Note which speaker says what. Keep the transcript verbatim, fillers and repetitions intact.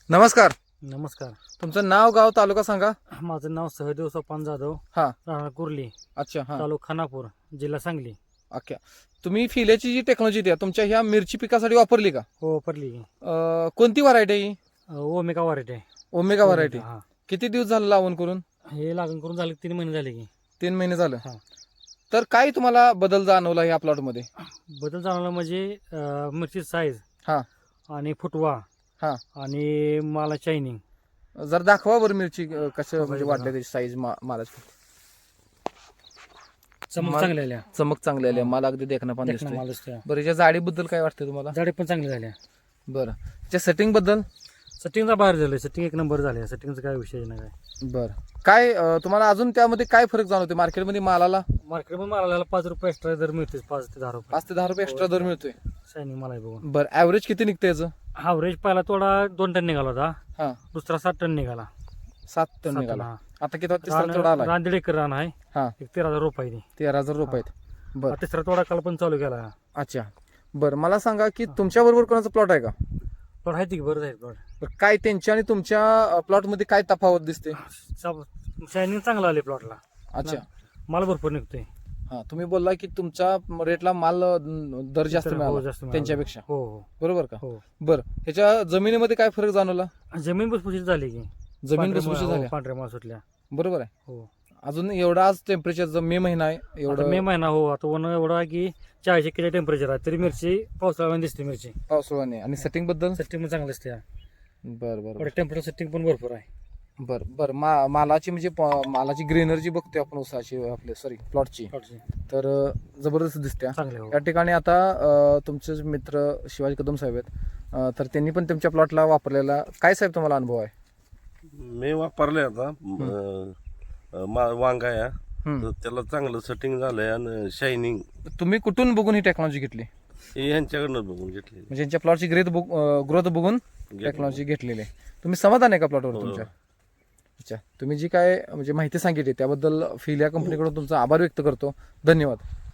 Speaker 1: नमस्कार.
Speaker 2: नमस्कार.
Speaker 1: तुमचं नाव, गाव, तालुका सांगा.
Speaker 2: माझं नाव सहदेव सोपान जाधव.
Speaker 1: हा.
Speaker 2: राहणार कुर्ली.
Speaker 1: अच्छा. हा.
Speaker 2: तालुका खानापूर, जिल्हा सांगली.
Speaker 1: ओके. तुम्ही फिल्याची जी टेक्नॉलॉजी द्या तुमच्या ह्या मिरची पिकासाठी वापरली का?
Speaker 2: हो वापरली.
Speaker 1: अं, कोणती व्हरायटी आहे ही?
Speaker 2: ओमेगा वरायटी आहे.
Speaker 1: Omega variety.
Speaker 2: हा.
Speaker 1: किती दिवस झाले लावून करून?
Speaker 2: हे लागण करून झाले तीन महिने झाले की.
Speaker 1: तीन महिने झालं.
Speaker 2: हा.
Speaker 1: तर काय तुम्हाला बदल जाणवला ह्या प्लॉट मध्ये?
Speaker 2: बदल जाणवला म्हणजे अं, मिरची साईज
Speaker 1: हा.
Speaker 2: आणि फुटवा
Speaker 1: हा.
Speaker 2: आणि माला शायनिंग.
Speaker 1: जर दाखवा बरं मिरची अं, कसं म्हणजे
Speaker 2: बघा.
Speaker 1: वाटलं त्याची साईज मालाची.
Speaker 2: चमक
Speaker 1: माल-
Speaker 2: चांगल्या आल्या.
Speaker 1: चमक चांगली आली,
Speaker 2: हा.
Speaker 1: माल अगदी देखणं पण
Speaker 2: देखणं
Speaker 1: दिसतोय.
Speaker 2: माल दिसतोय.
Speaker 1: बरं, याच्या जाडीबद्दल काय वाटतं तुम्हाला?
Speaker 2: झाडे पण चांगले झाल्या.
Speaker 1: बरं, त्याच्या सेटिंग बद्दल?
Speaker 2: सेटिंगचा बाहेर झालं. सेटिंग एक नंबर झाले. सेटिंगचा काय विषय नाही काय.
Speaker 1: बरं, काय अं, तुम्हाला अजून त्यामध्ये काय फरक जाणवते मार्केटमध्ये मालाला?
Speaker 2: मार्केटमध्ये मालाला पाच रुपये एक्स्ट्रा दर मिळते. पाच ते दहा रुपये
Speaker 1: पाच ते दहा रुपये एक्स्ट्रा दर मिळतोय.
Speaker 2: शायनिंग मला आहे बघून.
Speaker 1: बरं, ऍव्हरेज किती निघतं याचं?
Speaker 2: ॲव्हरेज पहिला थोडा दोन टन निघाला होता.
Speaker 1: हा.
Speaker 2: दुसरा सात टन निघाला.
Speaker 1: सात टन
Speaker 2: सात
Speaker 1: निघाला.
Speaker 2: टन, हा.
Speaker 1: आता किती तिसरा तोडा आला?
Speaker 2: रान दीड एकर रान आहे.
Speaker 1: हा.
Speaker 2: एक तेरा हजार रुपये ती.
Speaker 1: तेरा हजार रुपये आहेत. बरं,
Speaker 2: तिसरा तोडा काल पण चालू केला.
Speaker 1: अच्छा. बरं, मला सांगा की तुमच्या बरोबर कोणाचा प्लॉट आहे का?
Speaker 2: प्लॉट आहे ती बरं आहे प्लॉट.
Speaker 1: बरं, काय त्यांच्या आणि तुमच्या प्लॉट मध्ये काय तफावत दिसते?
Speaker 2: शायनिंग चांगला आले प्लॉटला.
Speaker 1: अच्छा.
Speaker 2: माल भरपूर निघतोय.
Speaker 1: हा, तुम्ही बोलला की तुमच्या रेटला माल अं, दर जास्त
Speaker 2: हो,
Speaker 1: मिळाला
Speaker 2: जास्त मिळाला.
Speaker 1: त्यांच्यापेक्षा.
Speaker 2: हो हो
Speaker 1: बरोबर का?
Speaker 2: हो.
Speaker 1: बरं, ह्याच्या जमिनीमध्ये काय फरक जाणवला?
Speaker 2: जमीन भुसभुशीत झाली की.
Speaker 1: जमीन
Speaker 2: पांढऱ्या
Speaker 1: भुसभुशीत
Speaker 2: माळ- हो,
Speaker 1: झाली.
Speaker 2: पांढऱ्या माल सुटल्या.
Speaker 1: बरोबर आहे.
Speaker 2: हो.
Speaker 1: अजून एवढा आज टेम्परेचर मे महिना आहे
Speaker 2: आता
Speaker 1: एवढं
Speaker 2: मे महिना हो आता ऊन एवढं आहे की चाळीस एकेच्या टेम्परेचर आहे तरी मिरची पावसाळ्यामध्ये दिसते. मिरची
Speaker 1: पावसाळ्याने आणि सेटिंग बद्दल?
Speaker 2: सेटिंग पण चांगलं असते.
Speaker 1: बरं बरं
Speaker 2: टेम्परेचर सेटिंग पण भरपूर आहे.
Speaker 1: बर बर मा मालाची म्हणजे प- मालाची ग्रीनरी बघतोय आपण उसाची आपले सॉरी प्लॉटची,
Speaker 2: प्लॉटची
Speaker 1: तर अं, जबरदस्त दिसते.
Speaker 2: चांगले हो.
Speaker 1: या ठिकाणी आता अं, तुमचे मित्र शिवाजी कदम साहेब आहेत, अं, तर त्यांनी पण तुमच्या प्लॉटला वापरलेला काय साहेब तुम्हाला अनुभव आहे?
Speaker 3: मी वापरले आता अं, अं, मा- वांगा या
Speaker 1: हम्म.
Speaker 3: तर त्याला चांगलं सेटिंग झालंय आणि शायनिंग
Speaker 1: तुम्ही कुठून बघून ही टेक्नॉलॉजी घेतली?
Speaker 3: हे ह्यांच्याकडनं बघून घेतली.
Speaker 1: म्हणजे यांच्या प्लॉटची ग्रेथ ग्रोथ बघून टेक्नॉलॉजी घेतलेली आहे. तुम्ही समाधान आहे का प्लॉटवर
Speaker 3: हो.
Speaker 1: तुमच्या? अच्छा, तुम्ही जी काय म्हणजे माहिती सांगितली त्याबद्दल फिल या कंपनीकडून तुमचा आभार व्यक्त करतो. धन्यवाद.